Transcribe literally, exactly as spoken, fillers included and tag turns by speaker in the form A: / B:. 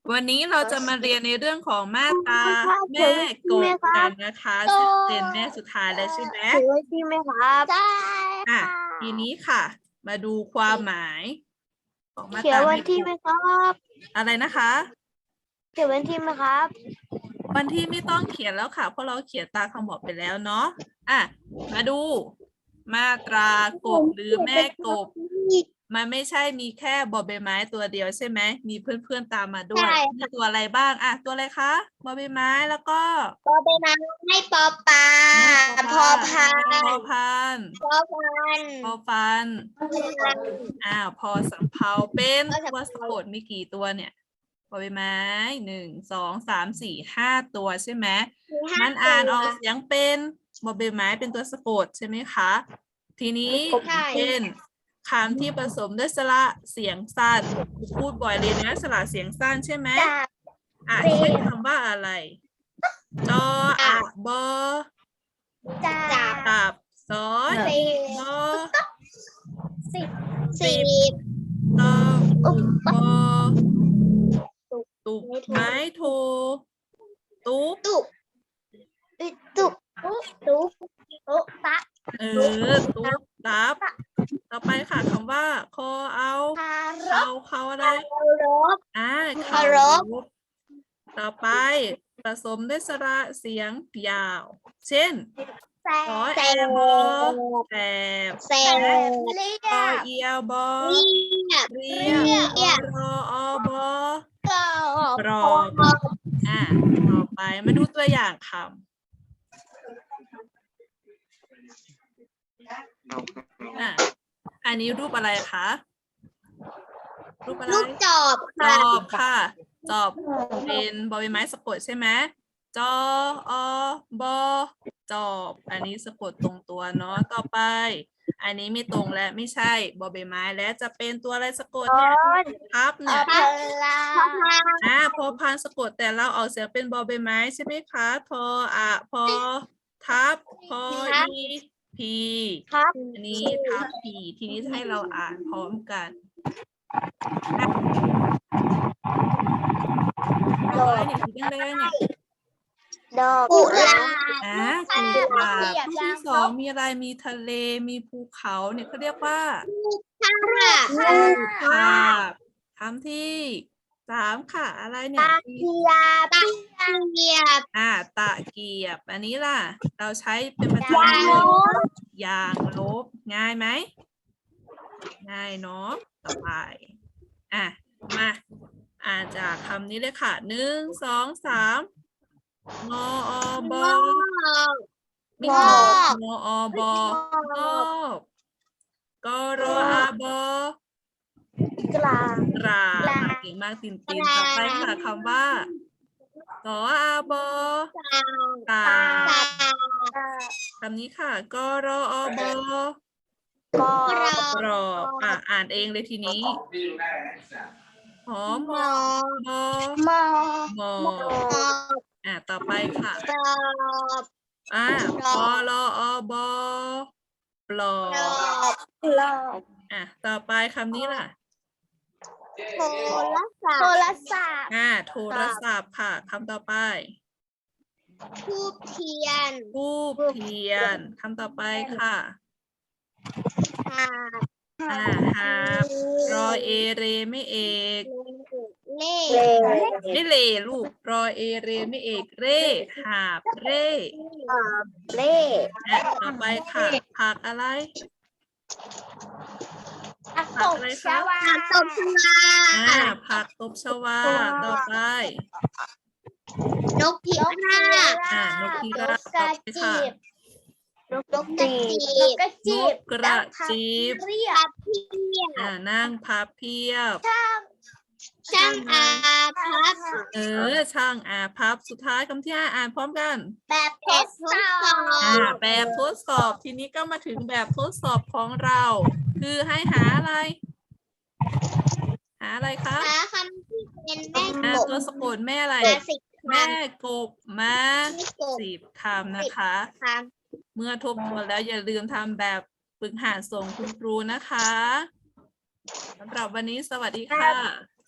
A: วันนี้เราจะมาเรียนในเรื่องของมาตราแม่กบกันนะคะซึ่งเป็นแม่สุดท้ายแล้วใช่ไหม
B: ถือไว้ที่ไหมครับใช่
A: อ่ะทีนี้ค่ะ มาดูความหมายของมา
B: เขีย
A: ตราน
B: วัน
A: แม่
B: ที่
A: ก
B: ไหม
A: บ
B: ครับ
A: อะไรนะคะ
B: เขียนวันที่ไหมครับ
A: วันที่ไม่ต้องเขียนแล้วค่ะเพราะเราเขียนตามคำบอกไปแล้วเนาะอ่ะมาดู มาตรากบหรือแม่กบ มันไม่ใช่มีแค่บอใบไม้ตัวเดียวใช่ไหมมีเพื่อนๆตามมาด้วยมีตัวอะไรบ้างอ่ะตัวอะไรคะบอใบไม้แล้วก็
B: ปอเป็นน้ำให้ปอปลาพอพาน
A: พอพัน
B: พอพัน
A: พอฟันอ้าวพอสำเภาเป็นตัวสะกดมีกี่ตัวเนี่ยบอใบไม้หนึ่งสองสามสี่ห้าตัวใช่ไหมมันอ่านออกเสียงเป็นบอใบไม้เป็นตัวสะกดใช่ไหมคะทีนี้เป็นคำที่ผสมด้วยสระเสียงสั้นพูดบ่อยเลยนะสระเสียงสั้นใช่ไหมอ่ะเช่นคำว่าอะไรจออะบอ
B: จับ
A: ตับซอส
B: สี่
A: บอ
B: สิบสิบ
A: ตอบอ ตุบ
B: ไม่ถูก
A: ไม้โทตุ๊บ
B: ตุบตุบตุบตุบตะ
A: เออตุ๊บตับต่อไปค่ะคำว่าคอเอา
B: คาร
A: เขา
B: พ
A: เขาอะไร
B: คารพ
A: อ่า
B: เคารพ
A: ต่อไปผสมด้วยสระเสียงยาว เช่น
B: แส
A: ขอแอบอแสบ
B: แสบเรีย
A: คอบ เอียวบอ
B: เรียบ
A: เรี
B: เรี
A: ย
B: ย
A: บบ รออบอ
B: กรอบ
A: กรอบ อ่ะต่อไปมาดูตัวอย่างคำอ่ะอันนี้รูปอะไรคะ รูปอะไร
B: ลูกจอบ
A: จ
B: ค่ะ
A: อบค่ะ จอบเป็นบอใบไม้สะกดใช่ไหมจออบอจอบ อันนี้สะกดตรงตัวเนาะต่อไป อันนี้ไม่ตรงและไม่ใช่บอใบไม้และจะเป็นตัวอะไรสะกดเนี่ยพับเนี่ย
B: พลา
A: อ่าพอพานสะกดแต่เราออกเสียงเป็นบอใบไม้ใช่ไหมคะทออะพอทับพออีพี
B: ครับ
A: อันนี้ทับพีทีนี้จะให้เราอ่านพร้อมกันดอกไม้เนี่ยสีแดงๆเนี่ย
B: ดอกกุหลาบ
A: อ่ากุหลาบที่สองมีอะไรมีทะเลมีภูเขาเนี่ยเขาเรียกว่า
B: ค่ะ
A: รูปภาพคำที่สามค่ะอะไรเนี่ย
B: เกียบตะเกียบ
A: อ่าตะเกียบ อันนี้ล่ะ เราใช้เป็นประ
B: ยา
A: จำ
B: ง
A: เล
B: ล
A: ย
B: บ
A: อย่างลบง่ายไหมง่ายเนาะต่อไปอ่ะมาอ่านจากคำนี้เลยค่ะหนึ่งสองสามงออบอไม่งองออบองอบกรออาบอก
B: ลาง
A: กราบอ่ะเก่งมากตินตินต่อไปค่ะคำว่าสออาบอกาคำนี้ค่ะกรออบอก
B: ร
A: รอบอ่ะอ่านเองเลยทีนี้หอมมอบอ
B: มอ
A: มออ่ะต่อไปค่ะ
B: กรอบ
A: อ่ะปอลออบอปลอก
B: รอบกรอบ
A: อ่ะต่อไปคำนี้ล่ะ
B: โทรศัพท์โทรศัพท์
A: อ่ะโทรศัพท์ค่ะคำต่อไป
B: ทูบเทียน
A: ทูบเทียนคำต่อไปค่ะ
B: หา
A: อ่าหาบรอเอเรไม่เอก
B: เล่
A: ไม่เลลูกรอเอเรไม่เอกเร่หาบเร่
B: เล่
A: อ่ะต่อไปค่ะผักอะไร
B: ผัก
A: ผักอะไรคะ
B: ผักตบชวา
A: อ่าผักตบชวาต่อไป
B: นกพิราบ
A: อ่านกพิราบต่อไปค่ะ
B: นกกระจีบนกกระ
A: น
B: จีบ
A: กกระจีบ
B: เรียบเพียบ
A: อ่านั่งพับเพียบ
B: ช่างอาพับ
A: เออช่างอ่าพับสุดท้ายคำที่ห้าอ่านพร้อมกัน
B: แบบทดสอบ
A: อ่าแบบทดสอบทีนี้ก็มาถึงแบบทดสอบของเรา คือให้หาอะไร หาอะไรคะ
B: หาคำที่เป็นแม่
A: อ่าก
B: บ
A: ตัวสะกดแม่อะไร
B: มาสิบค
A: แม่กบมา
B: ำกบ
A: สิบคำนะคะ
B: คำ
A: เมื่อทบทวนแล้วอย่าลืมทำแบบฝึกหัดส่งคุณครูนะคะสำหรับวันนี้สวัสดีค่ะ